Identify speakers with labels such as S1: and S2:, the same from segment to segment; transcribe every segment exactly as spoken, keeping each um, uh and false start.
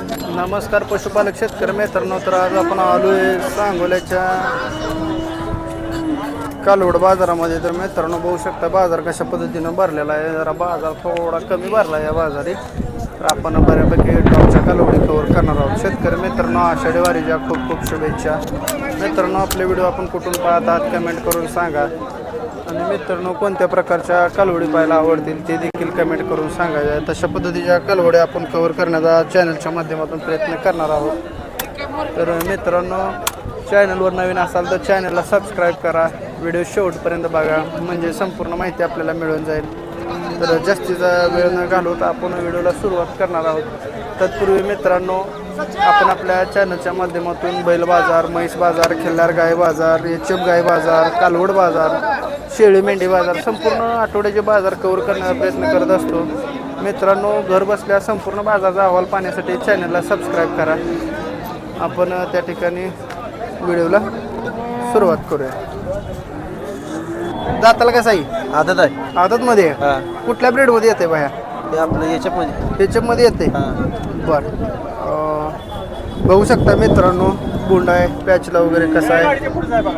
S1: नमस्कार पशुपालक शेतकरी मित्रांनो, तर आज आपण आलोय सांगोल्याच्या कालवड बाजारामध्ये. तर मित्रांनो बघू शकता बाजार कशा पद्धतीनं भरलेला आहे. जरा बाजार थोडा कमी भरला या बाजारी. तर आपण बऱ्यापैकी टॉपच्या कालवडी कव्हर करणार आहोत. शेतकरी मित्रांनो आषाढी वारीच्या खूप खूप शुभेच्छा. मित्रांनो आपले व्हिडिओ आपण कुठून पाहतात कमेंट करून सांगा. आणि मित्रांनो कोणत्या प्रकारच्या कालवडी पाहायला आवडतील ते देखील कमेंट करून सांगायच्या. तशा पद्धतीच्या कालवडी आपण कव्हर करण्याचा चॅनलच्या माध्यमातून प्रयत्न करणार आहोत. तर मित्रांनो चॅनलवर नवीन असाल तर चॅनलला सबस्क्राईब करा. व्हिडिओ शेवटपर्यंत बघा म्हणजे संपूर्ण माहिती आपल्याला मिळून जाईल. तर जास्तीचा वेळ न घालवता आपण व्हिडिओला सुरुवात करणार आहोत. तत्पूर्वी मित्रांनो आपण आपल्या चॅनलच्या माध्यमातून बैल बाजार, म्हैस बाजार, खिल्लार गाय बाजार, एचएफ गाय बाजार, कालवड बाजार, शेळी मेंढी बाजार संपूर्ण आठवड्याचे बाजार कव्हर करण्याचा प्रयत्न करत असतो. मित्रांनो घर बसल्या संपूर्ण बाजाराचा अहवाल पाहण्यासाठी चॅनलला सबस्क्राईब करा. आपण त्या ठिकाणी व्हिडिओला सुरुवात करूया. दाताला कसं आहे?
S2: आदत आहे.
S1: आदतमध्ये कुठल्या ब्रीडमध्ये येते बाया?
S2: ते आपलं याच्यामध्ये
S1: याच्यामध्ये येते. बरं बघू शकता मित्रांनो बोंड आहे, पॅचला वगैरे कसा आहे,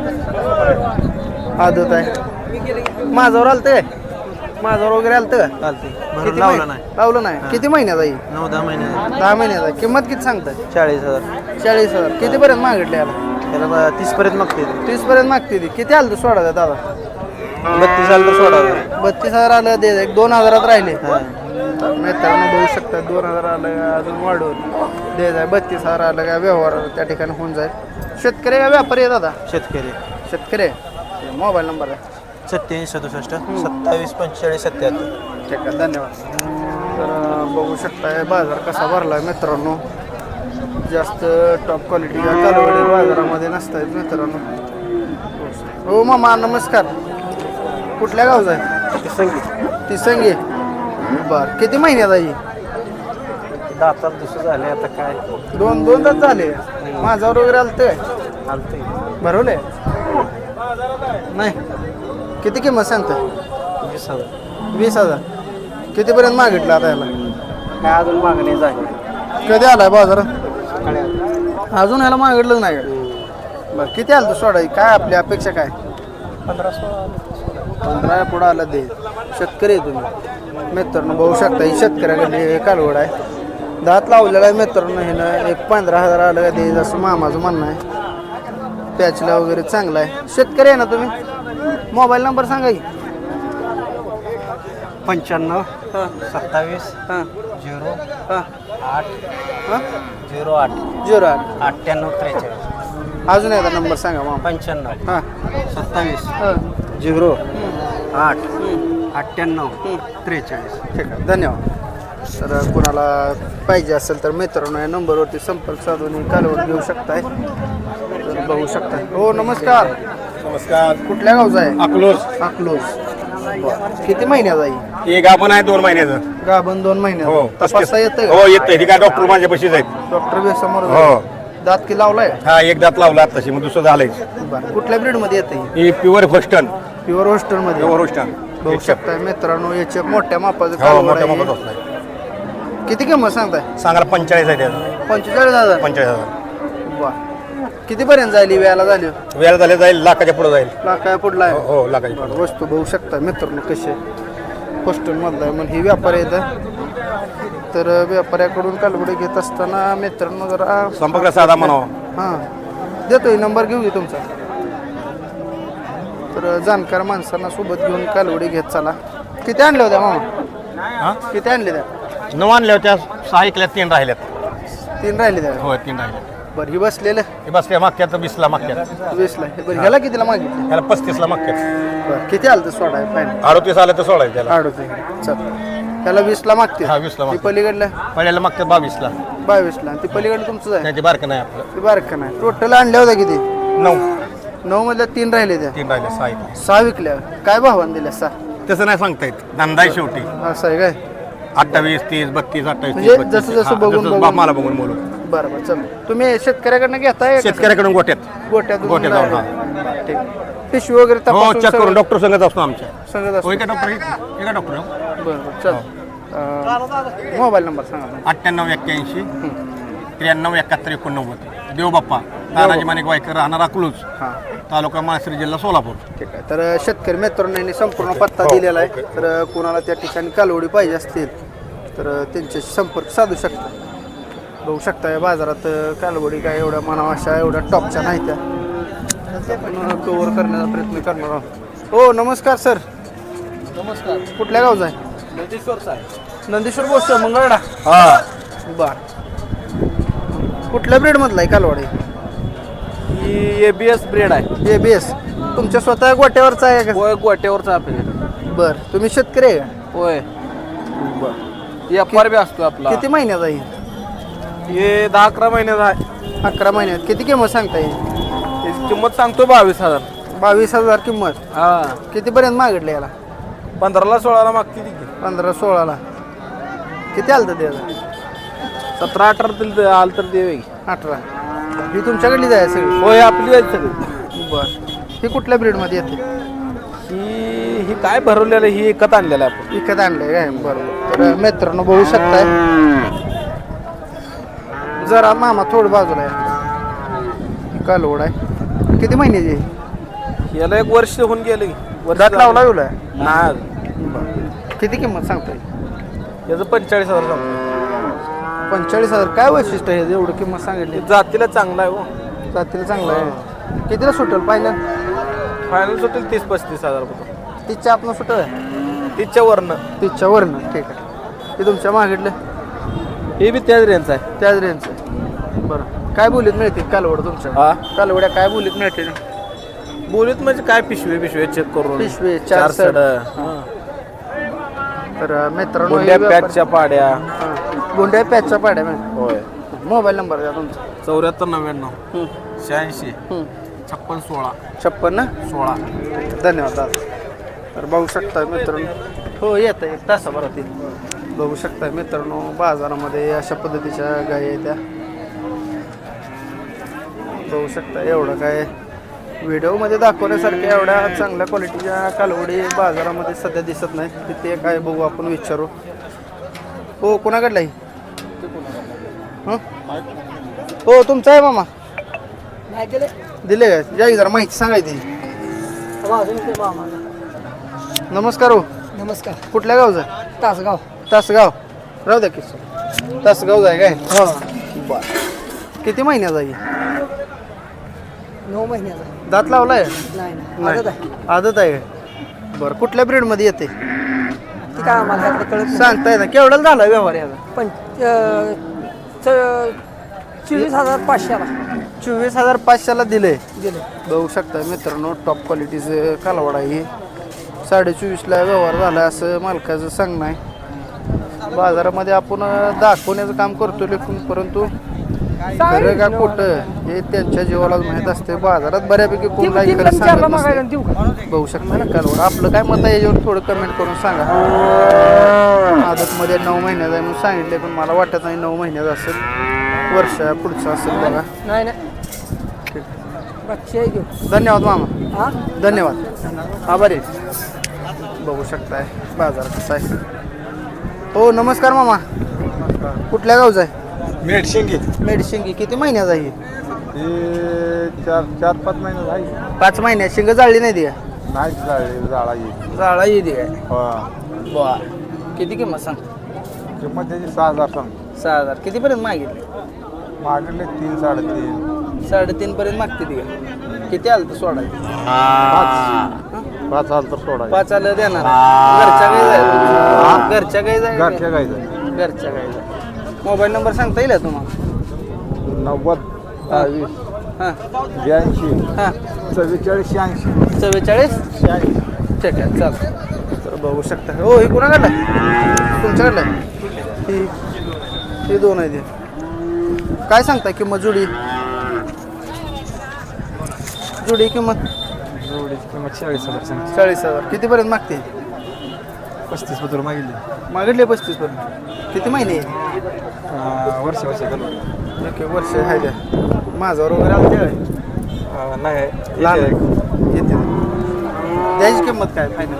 S1: आदत आहे. माझ्यावर आलतं काय? माझ्यावर वगैरे आलतं का?
S2: चालते
S1: किती
S2: लावलं
S1: महिने-
S2: नाही.
S1: लावलं नाही. किती महिन्यात आहे?
S2: नऊ दहा महिने
S1: दहा महिन्याचा. किंमत किती सांगताय?
S2: चाळीस हजार
S1: चाळीस हजार. कितीपर्यंत मागितले याला?
S2: त्याला तीस पर्यंत मागते.
S1: तीस पर्यंत मागते ती. किती आलं सोडा द्या दादा?
S2: बत्तीस आलं तर सोडा.
S1: बत्तीस हजार आलं दे. एक दोन हजारात राहिले. मित्रांनो बघू शकता दोन हजार आलं अजून वाढवून दे जाय. बत्तीस हजार आलं का व्यवहार त्या ठिकाणी होऊन जाईल. शेतकरी का व्यापारी आहे दादा?
S2: शेतकरी.
S1: शेतकरी. मोबाईल नंबर आहे
S2: सत्याऐंशी सदुसष्ट सत्तावीस पंचेचाळीस सत्याहत्तर.
S1: ठीक आहे धन्यवाद. तर बघू शकताय बाजार कसा भरला आहे मित्रांनो. जास्त टॉप क्वालिटीच्या कालवडी बाजारामध्ये नसतात मित्रांनो. हो मामा नमस्कार. कुठल्या गावचा आहे?
S2: तिसंगी.
S1: तिसंगी. बरं किती महिन्यात आहे?
S2: दातात दुसरं झाले आता काय
S1: दोन दोन तास झाले. माझ्यावर वगैरे आलं काय?
S2: चालते.
S1: भरवले नाही. किती किंमत सांगता?
S2: वीस हजार.
S1: वीस हजार. कितीपर्यंत मागितलं आता याला?
S2: काय अजून मागणी झाली.
S1: कधी आलाय बाजारात?
S2: सकाळी आलं.
S1: अजून ह्याला मागितलं नाही का? बरं किती आलं तर सोडा. काय आपली अपेक्षा काय?
S2: पंधरा सोळा
S1: पंधरा पुढं आलं दे. शेतकरी आहे तुम्ही मित्रांनो बघू शकता. ही शेतकऱ्याकडे कालवड आहे. दात लावलेला आहे मित्रांनो. हिनं एक पंधरा हजार आलं का दे जसं मामाचं म्हणणं आहे. पॅचला वगैरे चांगला आहे. शेतकरी आहे ना तुम्ही? मोबाईल नंबर सांगा की.
S2: पंच्याण्णव
S1: हां
S2: सत्तावीस
S1: हां
S2: झिरो
S1: हां
S2: आठ
S1: हां
S2: झिरो आठ
S1: झिरो आठ.
S2: अठ्ठ्याण्णव त्रेचाळीस.
S1: अजून एकदा नंबर सांगा मामा.
S2: पंच्याण्णव
S1: हां
S2: सत्तावीस
S1: हां
S2: झिरो आठ
S1: हं.
S2: अठ्ठ्याण्णव त्रेचाळीस.
S1: ठीक आहे धन्यवाद. तर कुणाला पाहिजे असेल तर मित्रांनो या नंबरवरती संपर्क साधून ही कालवड घेऊ शकताय. तर बघू शकताय. हो नमस्कार.
S3: नमस्कार.
S1: कुठल्या गावचा आहे?
S3: अकलोज.
S1: अकलूज. किती महिन्याचा आहे?
S3: एक आपण आहे दोन महिन्याचं.
S1: गाभण दोन महिन्यात.
S3: हो
S1: तपासता येतं
S3: हो येतंय. ती काय डॉक्टर माझ्या पशीच आहेत.
S1: डॉक्टर बी समोर
S3: हो.
S1: दात की लावलाय?
S3: हा एक दात लावला तशी मग दुसरं झालंय.
S1: बरं कुठल्या ब्रीड मध्ये येते?
S3: ही प्युअर फस्टन.
S1: प्युअर हॉस्टेल मध्ये.
S3: प्युअर फस्टन.
S1: बघू शकताय मित्रांनो याचे मोठ्या मापाचं
S3: हो
S1: कालवड
S3: मोठ्या
S1: आहे.
S3: मोठा बसलाय.
S1: किती किंमत सांगताय?
S3: सांगायला पंचेचाळीस आहे त्याचं.
S1: पंचेचाळीस हजार.
S3: पंचेचाळीस हजार.
S1: वा कितीपर्यंत जाईल ही वेळाला झाली?
S3: वेळ झाले जाईल लाखाच्या पुढे जाईल.
S1: लाखाया पुढला
S3: हो
S1: आहे.
S3: हो लाखाच्या पुढे.
S1: वस्तू बघू शकता मित्रांनो कसे हॉस्टेल मधला आहे. मग ही व्यापारी येतं. तर व्यापाऱ्याकडून कालवडी घेत असताना मित्रांनो जरा
S3: संपर्क साधा म्हणावा.
S1: हां देतोय नंबर घेऊ घे तुमचा. तर जाणकार माणसांना सोबत घेऊन कालवडी घेत चला. किती आणल्या होत्या मामा?
S3: हा
S1: किती आणले त्या?
S3: नऊ आणल्या होत्या. सहा ऐकल्यात तीन राहिल्यात.
S1: तीन राहिले त्या.
S3: हो तीन राहिल्यात.
S1: बरं ही बसलेलं
S3: हे बस त्या मागत्यात वीसला मागत्यात.
S1: वीसला. बरं ह्याला कितीला मागितलं?
S3: ह्याला पस्तीसला मागत्यात.
S1: बरं किती आलं तर सोडा फायनल?
S3: अडतीस आलं तर सोडायचं त्याला.
S1: आडोते चल. त्याला वीसला मागते.
S3: हा वीसला
S1: ती
S3: मागतात.
S1: पलीकडलं
S3: पहिल्याला मागतात बावीसला.
S1: बावीसला. ती पलीकडलं तुमचं आहे?
S3: त्याची बारकं नाही आपलं.
S1: ती बारकं नाही. टोटल आणल्या होत्या किती?
S3: नऊ.
S1: नऊ मधल्या तीन राहिले त्या.
S3: तीन राहिले सहा ऐकले.
S1: सहा विकल्या. काय भावाने दिल्या सहा?
S3: तसं नाही सांगता येत. धंदा आहे शेवटी.
S1: असं आहे काय?
S3: अठ्ठावीस तीस बत्तीस अठ्ठावीस
S1: म्हणजे जसं जसं बघून बघून.
S3: मला बघून बोलू.
S1: बरं बरं चल. तुम्ही शेतकऱ्याकडनं घेताय?
S3: शेतकऱ्याकडून गोट्यात.
S1: गोट्यात
S3: गोट्यात जाऊन,
S1: लावलंय. ठीक. पिशवी वगैरे
S3: हो
S1: तपासून
S3: चेक करून
S1: सगळं
S3: डॉक्टर संगत असतो आमच्या.
S1: सांगत असतो.
S3: एका डॉक्टर एका डॉक्टर
S1: बरं बरं चल. मोबाईल नंबर सांगा.
S3: अठ्ठ्याण्णव एक्क्याऐंशी त्र्याण्णव एकाहत्तर एकोणनव्वद देवबाप्पा तानाजी माणिक वायकर राहणार अकलूज
S1: हां
S3: तालुका माळशिरस जिल्हा सोलापूर.
S1: ठीक आहे. तर शेतकरी मित्रांनो यांनी संपूर्ण पत्ता दिलेला आहे. तर कोणाला त्या ठिकाणी कालवडी पाहिजे असतील तर त्यांच्याशी संपर्क साधू शकता. बघू शकता या बाजारात कालवडी काय एवढ्या मनावाशा एवढ्या टॉपच्या नाही त्या आपण कव्हर करण्याचा प्रयत्न करणार आहोत. हो नमस्कार सर.
S2: नमस्कार.
S1: कुठल्या गावचा आहे?
S2: नंदीश्वर साहेब.
S1: नंदीश्वर बोलतो मंगळवेढा.
S2: हा.
S1: बर कुठल्या ब्रेडमधला आहे कालवडी?
S2: ही ए बी एस ब्रेड आहे.
S1: ए बी एस तुमच्या स्वतः गोट्यावरचा आहे का?
S2: होय गोट्यावरचा आपल्या.
S1: बर तुम्ही शेतकरी आहे का?
S2: होय.
S1: बर
S2: व्यापार बी असतो आपला.
S1: किती महिन्याचा आहे?
S2: हे दहा अकरा महिन्याचा आहे.
S1: अकरा महिन्यात किती किंमत सांगता येईल?
S2: त्याची किंमत सांगतो बावीस हजार.
S1: बावीस हजार किंमत.
S2: हा.
S1: कितीपर्यंत मागितले याला?
S2: पंधराला सोळाला मागते ती.
S1: पंधरा सोळाला. किती आलं तर त्याला?
S2: सतरा अठरा तरी आलं तर देवे.
S1: अठरा. ही तुमच्याकडली जाय सगळी?
S2: होय आपली आहे सगळी.
S1: बर ही कुठल्या ब्रीडमध्ये येते?
S2: ही ही काय भरवलेलं ही एकत आणलेलं आहे आपण.
S1: विकत आणलंय काय? बरोबर. तर मित्रांनो बघू शकताय जरा मामा थोडं बाजूला आहे. कालवड आहे. किती महिन्याची आहे?
S2: याला एक वर्ष होऊन गेलं. वर्ष
S1: दात लावला येऊ
S2: नाही.
S1: किती किंमत सांगता येईल?
S2: याचं पंचेचाळीस हजार सांगतो.
S1: पंचेचाळीस हजार. काय वैशिष्ट्य आहे एवढं किंमत सांगितली?
S2: जातीला चांगला आहे हो.
S1: जातीला चांगलं आहे. कितीला सुटेल पाहिलं?
S2: फायनल सुटेल तीस पस्तीस हजार रुपये.
S1: तिच्या आपण सुटल आहे
S2: तिच्या वरनं.
S1: तिच्या वरनं. ठीक आहे. ते तुमच्या मागितलं
S2: हे बी त्याच रेंजचं आहे.
S1: त्याच रेंजचं आहे. बरं काय बोलीत मिळतील कालवड तुमच्या?
S2: हा.
S1: कालवड्या काय बोलीत मिळतील?
S2: बोलीत म्हणजे काय पिशवे पिशवे चेक करून
S1: पिशवे चार
S2: सड.
S1: तर मित्रांनो
S2: गोंड्या
S1: हे व्यापार-
S2: पॅचच्या पाड्या.
S1: हां. गोंड्या पॅचच्या पाड्या मॅम.
S2: होय.
S1: मोबाईल नंबर द्या तुमचा.
S2: चौऱ्याहत्तर नव्याण्णव
S1: हं.
S2: शहाऐंशी
S1: हं.
S2: छप्पन सोळा
S1: छप्पन्न.
S2: सोळा.
S1: धन्यवाद दादा. तर बघू शकता मित्रांनो. हो येतं एक तासाभरात येईल. बघू शकता मित्रांनो बाजारामध्ये अशा पद्धतीच्या गायी आहेत त्या. बघू शकता एवढं काय व्हिडिओमध्ये दाखवण्यासारख्या एवढ्या चांगल्या क्वालिटीच्या कालवडी बाजारामध्ये सध्या दिसत नाही. तिथे काय बघू आपण विचारू. हो कोणाकडला आहे? हं? हो तुमचं आहे मामा? दिले का? या जरा माहिती सांगायची. नमस्कार हो.
S4: नमस्कार.
S1: कुठल्या गावचा?
S4: तासगाव.
S1: तासगाव. राहू द्या की तासगाव आहे काय?
S4: हो.
S1: बरं किती महिन्याचा आहे?
S4: नऊ महिन्याचा.
S1: दात लावलाय?
S4: नाही नाही
S1: नाही.
S4: आदत आहे.
S1: आदत आहे. बरं कुठल्या ब्रीडमध्ये येते?
S4: ती काय आम्हाला ह्यातलं कळत नाही.
S1: सांगताय ना केवढ्याला झाला व्यवहार याचा?
S4: पण अं, च- चोवीस हजार पाचशेला
S1: चोवीस हजार पाचशेला दिले.
S4: दिले.
S1: बघू शकता मित्रांनो टॉप क्वालिटीचं कालवड आहे. साडे चोवीसला व्यवहार झाला असं मालकाचं सांगणं आहे. बाजारामध्ये आपण दाखवण्याचं काम करतो लेखून परंतु खरं का खोटं हे त्यांच्या जीवाला माहीत असते. बाजारात बऱ्यापैकी कोण काही खरं सांगत नसते. बघू शकता ना कालवड. आपलं काय मत आहे याच्यावर थोडं कमेंट करून सांगा. आदतमध्ये नऊ महिन्याचा आहे म्हणून सांगितले पण मला वाटत नाही नऊ महिन्याचा असेल. वर्ष पुढचं असेल बघा.
S4: नाही नाही
S1: ठीक.
S4: बक्षी आहे घेऊ.
S1: धन्यवाद मामा.
S4: हा.
S1: धन्यवाद आभारी. बघू शकताय बाजार कसा आहे. हो नमस्कार मामा. कुठल्या गावचा आहे?
S2: मेडशिंगी.
S1: मेडशिंगी. किती महिन्याचा आहे?
S2: चार चार पाच महिने झाली.
S1: पाच महिन्यात. शिंग जाळली नाही ती का?
S2: नाही झाली जाळा येईल.
S1: जाळा येते काय?
S2: हा.
S1: बर किती किंमत सांग?
S2: किंमत त्याची सहा हजार सांग.
S1: सहा हजार. कितीपर्यंत मागितले?
S2: मागले तीन साडेतीन.
S1: साडेतीन पर्यंत मागते ती का? किती आलं तर सोडायचं?
S2: पाच पाच आलं तर सोडा.
S1: पाच आलं देणार. घरच्या गाई जाय घरच्या गाई जाय
S2: घरच्या गायचं.
S1: घरच्या गाई जाय. मोबाईल नंबर सांगता येईल का तुम्हाला?
S2: नव्वद दहावीस
S1: हां
S2: ब्याऐंशी
S1: हां
S2: चव्वेचाळीस शहाऐंशी.
S1: चव्वेचाळीस शहाऐंशी. ठीक आहे चालतं. तर बघू शकता. हो ही कुणाकडलं आहे? तुमच्याकडलं आहे? ही ही दोन आहे ते. काय सांगता किंमत जुडी? जुडी किंमत
S2: जोडीची किंमत चाळीस हजार सांग.
S1: चाळीस हजार. कितीपर्यंत मागते?
S2: पस्तीस पत्र मागितली.
S1: मागितले पस्तीस पर्यंत. किती महिने?
S2: वर्ष वर्ष घालून.
S1: ओके वर्ष आहे त्या. माझ्यावर वगैरे आलं ते
S2: नाही
S1: लहान येते. द्यायची किंमत काय फायनल?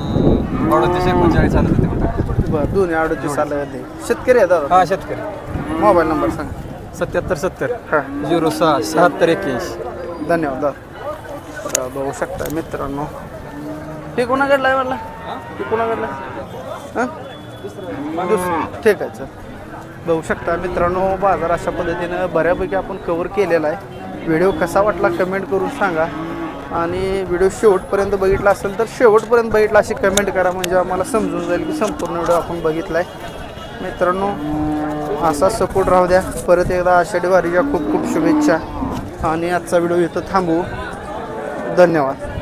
S2: फायनल अडतीस एकोणचाळीस आलं ते.
S1: बरं दोन्ही अडतीस आलं ते. शेतकरी आहे दादा?
S2: हा शेतकरी.
S1: मोबाईल नंबर सांग.
S2: सत्याहत्तर सत्तर
S1: हां
S2: झिरो सहा शहात्तर एक्क्याऐंशी.
S1: धन्यवाद दादा. तर बघू शकता मित्रांनो, हे कोणाकडला आहे म्हणला? हे कोणाकडला हां दुसरं ठीक आहे. चल बघू शकता मित्रांनो, बाजार अशा पद्धतीनं बऱ्यापैकी आपण कवर केलेला आहे. व्हिडिओ कसा वाटला कमेंट करून सांगा आणि व्हिडिओ शेवटपर्यंत बघितला असेल तर शेवटपर्यंत बघितला अशी कमेंट करा, म्हणजे आम्हाला समजून जाईल की संपूर्ण व्हिडिओ आपण बघितला आहे. मित्रांनो असा सपोर्ट राहू द्या. परत एकदा आषाढी वारीच्या खूप खूप शुभेच्छा आणि आजचा व्हिडिओ इथं थांबवू. धन्यवाद.